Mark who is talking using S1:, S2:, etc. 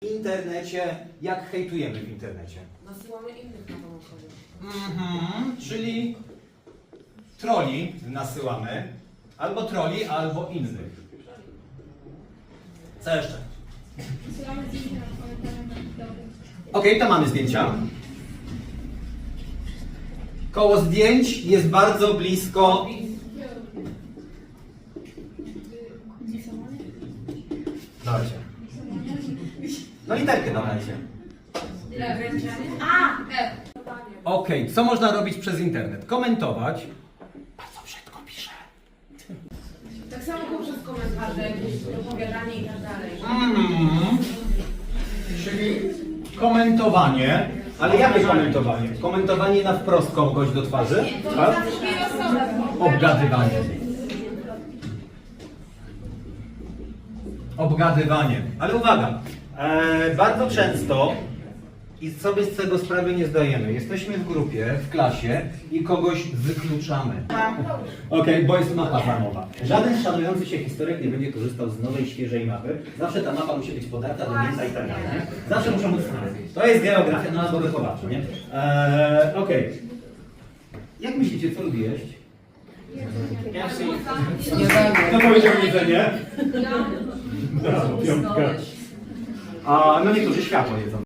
S1: W internecie, jak hejtujemy w internecie?
S2: Nasyłamy innych na pomocowie.
S1: Czyli troli nasyłamy, albo troli, albo innych. Co jeszcze?
S3: Wysyłamy zdjęcia na komentarze na TikToku.
S1: Okej, to mamy zdjęcia. Koło zdjęć jest bardzo blisko. Dawajcie. No literkę dawajcie. Okej, co można robić przez internet? Komentować. Bardzo brzydko piszę.
S2: Tak samo poprzez komentarze, jakieś opowiadanie i tak dalej.
S1: Czyli komentowanie. Ale jakie komentowanie? Komentowanie na wprost kogoś do twarzy? Tak? Obgadywanie. Obgadywanie. Ale uwaga, bardzo często i sobie z tego sprawy nie zdajemy. Jesteśmy w grupie, w klasie i kogoś wykluczamy. Okej, bo jest mapa darmowa. Żaden szanujący się historyk nie będzie korzystał z nowej, świeżej mapy. Zawsze ta mapa musi być podarta, domięta i tak dalej. Nie? Zawsze muszą być znane. To jest geografia, no albo wychowawcza, nie? Okej. Jak myślicie, co lubi jeść? Kto powiedział jedzenie? Brawo, piątka. A no niektórzy światło jedzą.